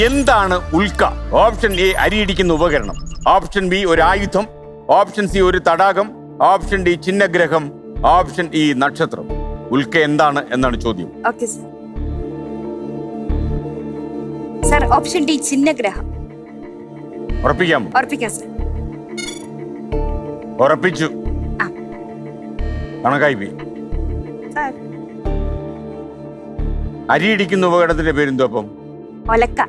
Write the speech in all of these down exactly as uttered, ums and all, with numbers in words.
എന്താണ് ഉൽക്ക? Option A അരിയിടിക്കുന്ന ഉപകരണം, option B ഒരു ആയുധം, ഓപ്ഷൻ സി ഒരു തടാകം, ഓപ്ഷൻ ഡി ചിഹ്നഗ്രഹം, ഓപ്ഷൻ ഇ നക്ഷത്രം. ഉൽക്ക എന്താണ് എന്നാണ് ചോദ്യം. Okay sir. Sir option D ചിഹ്നഗ്രഹം. ഉറപ്പിക്കാമോ? ഉറപ്പിക്കാം സർ. ഉറപ്പിച്ചു. ആ. കണക്കായി പോയി. സർ അരിയിടിക്കുന്ന ഉപകരണത്തിന്റെ പേരെന്തോ അപ്പം? ഒലക്ക.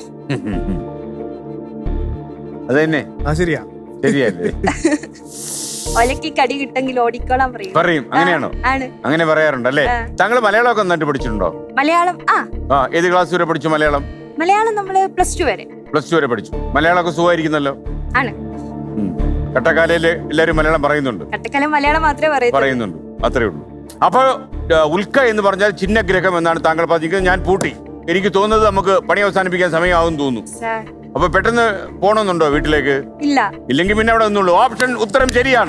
അത് തന്നെ. ആ ശരിയാ. ശരിയല്ലേ? ഒലക്കി കടി കിട്ടെങ്കിൽ ഓടിക്കോളാൻ പറയും. പറയും. അങ്ങനെയാണോ? ആണ്. അങ്ങനെ പറയാറുണ്ടല്ലേ? താങ്കൾ മലയാളമൊക്കെ നന്നായിട്ട് പഠിച്ചിട്ടുണ്ടോ? മലയാളം ആ ആ ഏത് ക്ലാസ് വരെ പഠിച്ചു മലയാളം? മലയാളം നമ്മള് പ്ലസ് ടു വരെ. പ്ലസ് ടു വരെ പഠിച്ചു. മലയാളമൊക്കെ സുഖമായിരിക്കുന്നല്ലോ. ആണ്. കട്ടക്കാലയില് എല്ലാരും മലയാളം പറയുന്നുണ്ട്. കട്ടക്കാലം മലയാളം മാത്രമേ പറയൂ. പറയുന്നുണ്ട്. അത്രേ ഉള്ളൂ. അപ്പൊ ഉൽക്ക എന്ന് പറഞ്ഞാൽ ചിഹ്നഗ്രഹം എന്നാണ് താങ്കൾ പറഞ്ഞിരിക്കുന്നത്. ഞാൻ പൂട്ടി. എനിക്ക് തോന്നുന്നത് നമുക്ക് പണി അവസാനിപ്പിക്കാൻ സമയമാവും തോന്നുന്നു. അപ്പൊ പെട്ടെന്ന് പോണമെന്നുണ്ടോ വീട്ടിലേക്ക്? ഇല്ല. ഇല്ലെങ്കിൽ പിന്നെ അവിടെ നിന്നുള്ളൂ. ഓപ്ഷൻ ഉത്തരം ശരിയാണ്.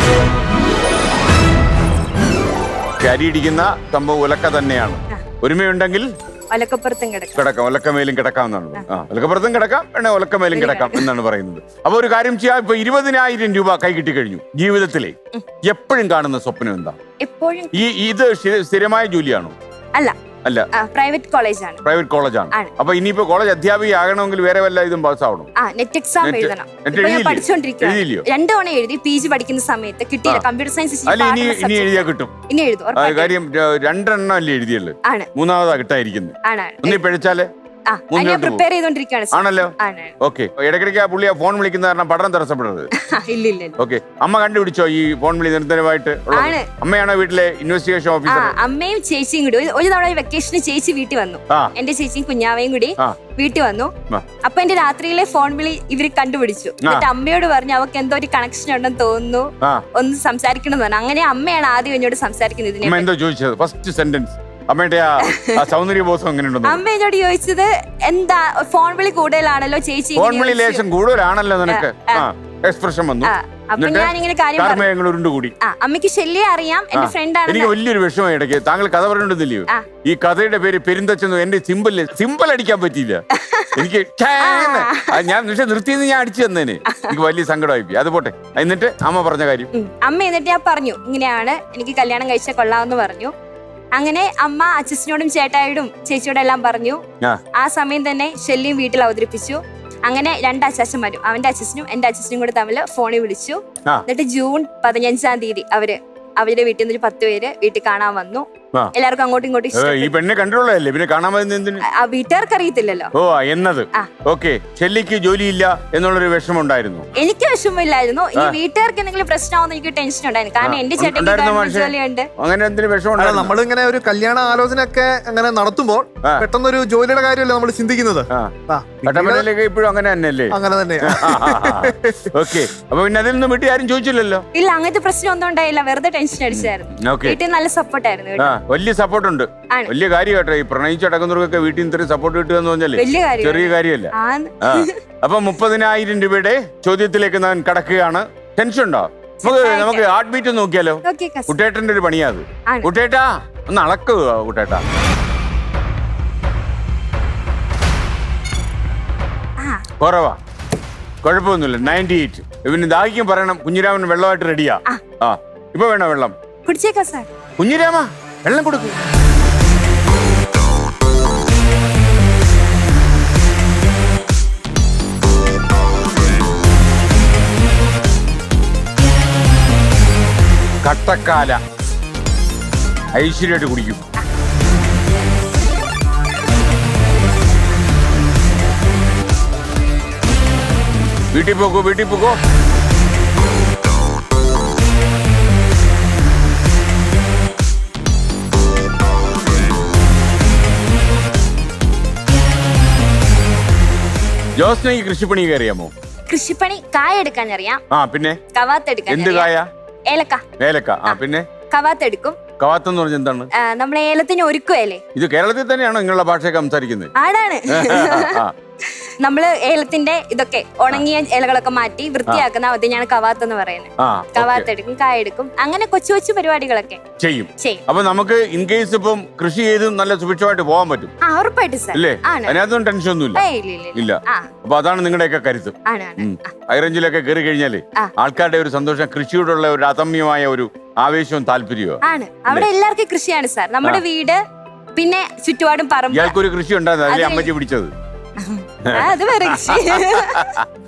അരിയിടിക്കുന്ന സംഭവം ഉലക്ക തന്നെയാണ്. ഒരുമയുണ്ടെങ്കിൽ ഒലക്കപ്പുറത്തും കിടക്കാം. കിടക്കാം. ഒലക്കമേലും കിടക്കാമെന്നാണ്. ആ ഒലക്കപ്പുറത്തും കിടക്കാം, വേണേ ഒലക്കമേലും കിടക്കാം എന്നാണ് പറയുന്നത്. അപ്പൊ ഒരു കാര്യം ചെയ്യാം. ഇപ്പൊ ഇരുപതിനായിരം രൂപ കൈ കിട്ടി കഴിഞ്ഞു. ജീവിതത്തിലെ എപ്പോഴും കാണുന്ന സ്വപ്നം എന്താ? എപ്പോഴും ഈ ഇത് സ്ഥിരമായ ജോലിയാണോ? അല്ല അല്ല, പ്രൈവറ്റ് കോളേജാണ്. പ്രൈവറ്റ് കോളേജാണ്. അപ്പൊ ഇനിയിപ്പോ കോളേജ് അധ്യാപിക ആകണമെങ്കിൽ വേറെ വല്ല ഇതും പാസ്സാവണം. നെറ്റ് എക്സാം എഴുതണം. പഠിച്ചോണ്ടിരിക്കുകയാണ്. രണ്ടു തവണ എഴുതി. പി ജി പഠിക്കുന്ന സമയത്ത് കിട്ടിയില്ല. കമ്പ്യൂട്ടർ സയൻസ് ഇനി എഴുതിയാ കിട്ടും. ഇനി എഴുതും. കാര്യം രണ്ടെണ്ണം അല്ലേ എഴുതിയുള്ളു. മൂന്നാമതാ കിട്ടായിരിക്കുന്നത്. ഒന്നി പിഴച്ചാല് പ്രിപ്പയർ ചെയ്തോണ്ടിരിക്കുകയാണ്. ആണല്ലോ. ഓക്കെ. ഇടയ്ക്കിടയ്ക്ക് ആ പുള്ളി ആ ഫോൺ വിളിക്കുന്ന കാരണം പഠനം തടസ്സപ്പെടരുത്. ഓക്കെ. അമ്മ കണ്ടുപിടിച്ചോ ഈ ഫോൺ വിളി നിരന്തരമായിട്ട്? അമ്മയാണോ വീട്ടിലെ ഇൻവെസ്റ്റിഗേഷൻ ഓഫീസർ? അമ്മയും ചേച്ചിയും കൂടി ഒരു തവണ വെക്കേഷന് ചേച്ചി വീട്ടിൽ വന്നു. എന്റെ ചേച്ചിയും കുഞ്ഞാവയും കൂടി വീട്ടിൽ വന്നു. അപ്പൊ എന്റെ രാത്രിയിലെ ഫോൺ വിളി ഇവര് കണ്ടുപിടിച്ചു. എന്നിട്ട് അമ്മയോട് പറഞ്ഞു അവർക്ക് എന്തോ ഒരു കണക്ഷൻ ഉണ്ടെന്ന് തോന്നുന്നു, ഒന്ന് സംസാരിക്കണം എന്ന് പറഞ്ഞു. അങ്ങനെ അമ്മയാണ് ആദ്യം എന്നോട് സംസാരിക്കുന്നത്. എന്തോ ചോദിച്ചത് ഫസ്റ്റ് സെന്റൻസ്? അമ്മയുടെ ആ സൗന്ദര്യ ബോധം എങ്ങനെയുണ്ടോ? അമ്മ എന്നോട് ചോദിച്ചത് എന്താ ഫോൺ വിളി കൂടുതലാണല്ലോ ചേച്ചി. ഫോൺ വിളി ലേശം കൂടുതലാണല്ലോ നിനക്ക്. എക്സ്പ്രഷൻ വന്നു. അപ്പൊ ഞാൻ ഇങ്ങനെ കാര്യം ഉരുണ്ടുകൂടി. അമ്മയ്ക്ക് ശല്യം അറിയാം. എന്റെ ഫ്രണ്ട് ആണ്. എനിക്ക് വലിയൊരു വിഷമം ഇടയ്ക്ക്. താങ്കൾ കഥ പറഞ്ഞിട്ടില്ലയോ? ഈ കഥയുടെ പേര് പെരുന്തച്ചെന്ന്. എന്റെ സിമ്പിൾ സിമ്പിൾ അടിക്കാൻ പറ്റിയില്ല എനിക്ക്. ഞാൻ പക്ഷെ നിർത്തിയെന്ന് ഞാൻ അടിച്ചു തന്നേന്. എനിക്ക് വലിയ സങ്കടമായി പോയി. അത് പോട്ടെ. എന്നിട്ട് അമ്മ പറഞ്ഞ കാര്യം. അമ്മ എന്നിട്ട് ഞാൻ പറഞ്ഞു ഇങ്ങനെയാണ് എനിക്ക് കല്യാണം കഴിച്ചാൽ കൊള്ളാമെന്ന് പറഞ്ഞു. അങ്ങനെ അമ്മ അച്ഛനോടും ചേട്ടായോടും ചേച്ചിയോടും എല്ലാം പറഞ്ഞു. ആ സമയം തന്നെ ശല്യം വീട്ടിൽ അവതരിപ്പിച്ചു. അങ്ങനെ രണ്ട് അച്ചാച്ചന്മാരും, അവന്റെ അച്ഛനും എന്റെ അച്ഛനും കൂടെ തമ്മിൽ ഫോണിൽ വിളിച്ചു. എന്നിട്ട് ജൂൺ പതിനഞ്ചാം തീയതി അവര് അവരുടെ വീട്ടിൽ നിന്ന് ഒരു പത്ത് പേര് വീട്ടിൽ കാണാൻ വന്നു. എല്ലാവർക്കും അങ്ങോട്ടും ഇങ്ങോട്ടും. ഈ പെണ്ണെ കണ്ടിട്ടുള്ളതല്ലേ, പിന്നെ കാണാൻ വീട്ടുകാർക്ക് അറിയത്തില്ലല്ലോ. ഓ എന്നത്. ഓക്കെ. ഷെല്ലിക്ക് ജോലിയില്ല എന്നുള്ളൊരു വിഷമം ഉണ്ടായിരുന്നു. എനിക്ക് വിഷമമില്ലായിരുന്നു. ഇനി വീട്ടുകാർക്ക് എന്തെങ്കിലും പ്രശ്നമാവുന്ന എനിക്ക് ടെൻഷൻ ഉണ്ടായിരുന്നു. കാരണം എന്റെ ചേട്ടൻ ജോലിയുണ്ട്. അങ്ങനെ എന്തെങ്കിലും വിഷമം? നമ്മളിങ്ങനെ ഒരു കല്യാണ ആലോചന ഒക്കെ അങ്ങനെ നടത്തുമ്പോൾ പെട്ടെന്നൊരു ജോലിയുടെ കാര്യമല്ലേ നമ്മൾ ചിന്തിക്കുന്നത്. ഇപ്പോഴും അങ്ങനെ തന്നെയല്ലേ? അങ്ങനെ തന്നെ. ഓക്കെ. അപ്പൊ പിന്നെ അതിൽ നിന്ന് വീട്ടിൽ ആരും ചോദിച്ചില്ലല്ലോ? ഇല്ല, അങ്ങനത്തെ പ്രശ്നം ഒന്നും ഉണ്ടായില്ല. വെറുതെ ടെൻഷൻ അടിച്ചായിരുന്നു. വീട്ടിൽ നല്ല സപ്പോർട്ടായിരുന്നു. വലിയ സപ്പോർട്ട് ഉണ്ട്. വലിയ കാര്യം കേട്ടോ. ഈ പ്രണയിച്ചടക്കുന്നവർക്കൊക്കെ വീട്ടിൽ നിന്ന് ഇത്രയും സപ്പോർട്ട് കിട്ടുക എന്ന് പറഞ്ഞാല് ചെറിയ കാര്യമല്ല. അപ്പൊ മുപ്പതിനായിരം രൂപയുടെ ചോദ്യത്തിലേക്ക് ഞാൻ കടക്കുകയാണ്. ടെൻഷൻ ഉണ്ടോ? നമുക്ക് നമുക്ക് ഹാർട്ട് ബീറ്റ് നോക്കിയാലോ? കുട്ടേട്ടന്റെ ഒരു പണിയാ അത്. കുട്ടേട്ടാ ഒന്ന് അളക്കുക. കുട്ടേട്ടാ കുറവാ? കുഴപ്പമൊന്നുമില്ല. Ninety eight. ഇവന് ദാഹിക്കും പറയണം. കുഞ്ഞിരാമൻ വെള്ളമായിട്ട് റെഡിയാ. ആ ഇപ്പൊ വേണോ വെള്ളം? കുഞ്ഞിരാമ വെള്ളം കൊടുക്കൂ. കട്ടക്കാല ഐശ്വര്യമായിട്ട് കുടിക്കും. വീട്ടിൽ പോകൂ, വീട്ടിൽ പോകൂ. ജോസ്ന ഈ കൃഷിപ്പണി അറിയാമോ? കൃഷിപ്പണി കായ എടുക്കാൻ അറിയാം. ആ പിന്നെ കവാത്തെടുക്കാൻ. എന്ത് കായ? ഏലക്ക. ഏലക്ക. ആ പിന്നെ കവാത്തെടുക്കും. കവാത്ത് എന്ന് പറഞ്ഞാൽ എന്താണ്? നമ്മളെ ഏലത്തിന് ഒരുക്കുവല്ലേ? ഇത് കേരളത്തിൽ തന്നെയാണോ നിങ്ങളുടെ ഭാഷയൊക്കെ സംസാരിക്കുന്നത്? ആടാണ്. നമ്മള് ഏലത്തിന്റെ ഇതൊക്കെ ഉണങ്ങിയ ഇലകളൊക്കെ മാറ്റി വൃത്തിയാക്കുന്ന അതിനാണ് കവാത്ത് എന്ന് പറയുന്നത്. ആ കവാത്ത് എടുക്കും, കായ എടുക്കും, അങ്ങനെ കൊച്ചു കൊച്ചു പരിപാടികളൊക്കെ ചെയ്യും. ചെയ്യും. അപ്പൊ നമുക്ക് ഇൻ കേസ് ഇപ്പം കൃഷി ചെയ്ത് നല്ല സുഭിക്ഷമായിട്ട് പോകാൻ പറ്റും ആ ഉറപ്പായിട്ട് സാർ. അല്ലേ? ആണ്. അതിനകത്തൊന്നും ടെൻഷൻ ഒന്നുമില്ല. ഏയ് ഇല്ല, ഇല്ല, ഇല്ല. ഇല്ല. ആ അപ്പൊ അതാണ് നിങ്ങളുടെയൊക്കെ കരുത്ത്. ആണ് ആണ്. ആ, ഹൈറേഞ്ചിലൊക്കെ കയറി കഴിഞ്ഞാല് ആ. ആൾക്കാരുടെ ഒരു സന്തോഷം, കൃഷിയോടുള്ള ഒരു അദമ്യമായ ഒരു ആവേശവും താല്പര്യവും. ആണ്. അവിടെ എല്ലാവർക്കും കൃഷിയാണ് സാർ. നമ്മുടെ വീട് പിന്നെ ചുറ്റുപാടും പറമ്പ്. ഇയാൾക്കൊരു കൃഷി ഉണ്ടായിരുന്നു, അതിലെ അമ്മച്ചി പിടിച്ചത്. ആ, അത് വേറെ കൃഷി.